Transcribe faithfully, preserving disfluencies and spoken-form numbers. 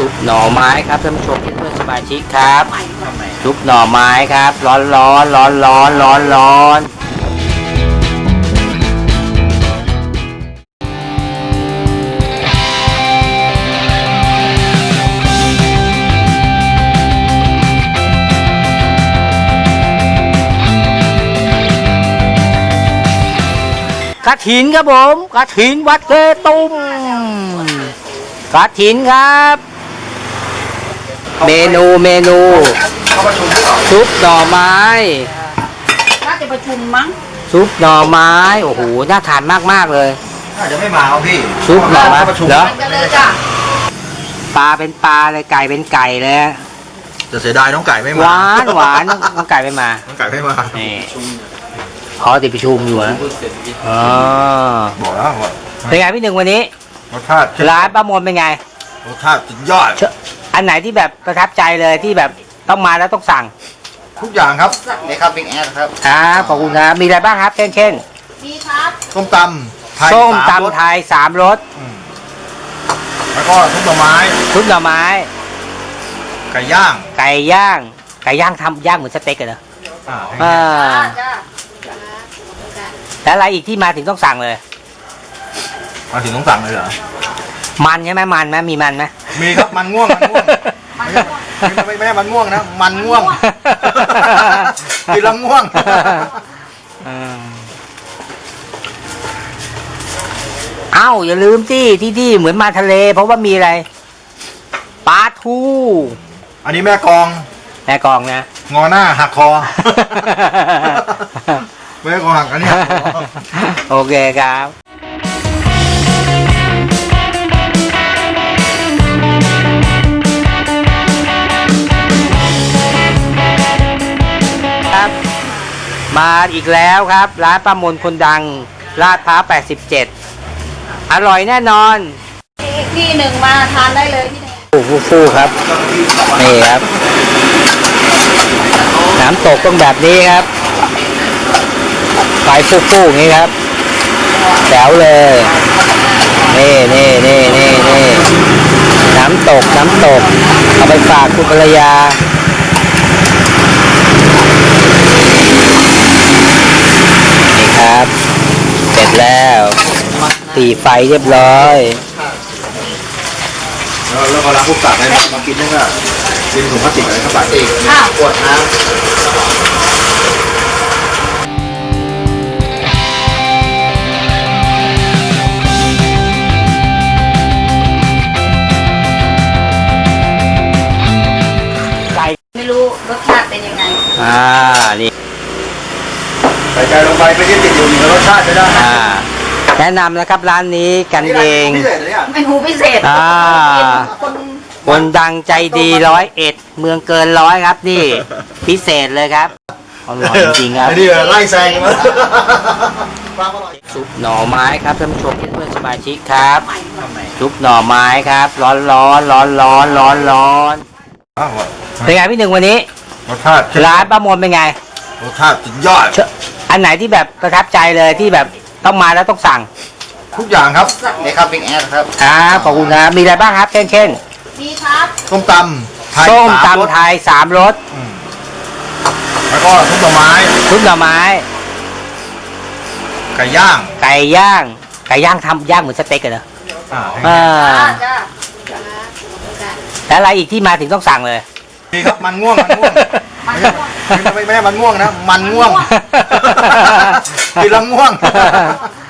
ซุปหน่อไม้ครับท่านผู้ชมเพื่อนๆสมาชิกครับซุปหน่อไม้ครับ ร้อนร้อนร้อนร้อนร้อนร้อนกระถินครับผมกระถินวัดเกตุ้มกระถินครับ เมนูเมนูซุปหน่อไม้น่าจะประชุมมั้งซุปหน่อไม้โอ้โหน่าทานมากมากเลยน่าจะไม่มาเอาพี่ซุปหน่อไม้เหรอปลาเป็นปลาเลยไก่เป็นไก่เลยจะเสียดายน้องไก่ไม่มาหวานหวานน้องไก่ไม่มาน้องไก่ไม่มานี่ขอติดประชุมอยู่นะอ๋อบอกแล้วว่าเป็นไงพี่หนึ่งวันนี้รสชาติร้านป้ามนเป็นไงรสชาติสุดยอดอันไหนที่แบบประทับใจเลยที่แบบต้องมาแล้วต้องสั่งทุกอย่างครับนี่ครับบิ๊กแอดครับครับขอบคุณครับมีอะไรบ้างครับเช่นเช่นมีครับส้มตำไทยส้มตำไทยสามรสแล้วก็ซุปหน่อไม้ซุปหน่อไม้ไก่ย่างไก่ย่างไก่ย่างทำย่างเหมือนสเต็กเหรออ่าแล้วอะไรอีกที่มาถึงต้องสั่งเลยมาถึงต้องสั่งเลยเหรอมันใช่ไหมมันไหมมีมันไหมมีครับมันง่วงมันง่วงไม่ไม่ใช่มันง่วงนะมันง่วงกินแล้วง่วงเอ้าอย่าลืมที่ที่ที่เหมือนมาทะเลเพราะว่ามีอะไรปลาทูอันนี้แม่กองแม่กองนะงอหน้าหักคอแม่กองหักอันนี้โอเคครับมาอีกแล้วครับร้านป้ามนคนดังลาดพร้าวแปดสิบเจ็ดอร่อยแน่นอนอีกที่หนึ่งมาทานได้เลยที่นี่ฟูฟูฟูครับนี่ครับน้ำตกต้องแบบนี้ครับไฟฟูฟูอย่างนี้ครับแจ๋วเลยนี่นี่นี่นี่นี่น้ำตกน้ำตกเอาไปฝากคุณภรรยาครับเสร็จแล้วตีไฟเรียบร้อยแล้วแล้วเวลาพวกตักอะไรมากินนี่ก็กินถุงพลาสติกอะไรเข้าไปอ้าวขวดน้ำไก่ไม่รู้รสชาติเป็นยังไงอ่านี่ใส่ใจลงไปไม่ได้ติดอยู่ในรสชาติจะได้แนะนำนะครับร้านนี้กันเองเมนูพิเศษอ่าคนดังใจดีร้อยเอ็ดเมืองเกินร้อยครับนี่พิเศษเลยครับอร่อยจริงครับนี่ไล่แซงมาซุปหน่อไม้ครับท่านผู้ชมเพื่อนๆสมาชิกครับซุปหน่อไม้ครับร้อนร้อนร้อนร้อนร้อนร้อนเป็นไงพี่หนึ่งวันนี้รสชาติร้านป้ามนเป็นไงรสชาติสุดยอดอันไหนที่แบบประทับใจเลยที่แบบต้องมาแล้วต้องสั่งทุกอย่างครับนี่ครับบิ๊กแอดครับครับขอบคุณครับมีอะไรบ้างครับเช่นเช่นมีครับส้มตำไทยส้มตำไทยสามรสแล้วก็ซุปหน่อไม้ซุปหน่อไม้ไก่ย่างไก่ย่างไก่ย่างทำย่างเหมือนสเต็กเหรออ่าแล้วอะไรอีกที่มาถึงต้องสั่งเลยมีครับมันง่วงมันง่วงไม่ไม่ไม่มันง่วงนะมันง่วงกินแล้วง่วง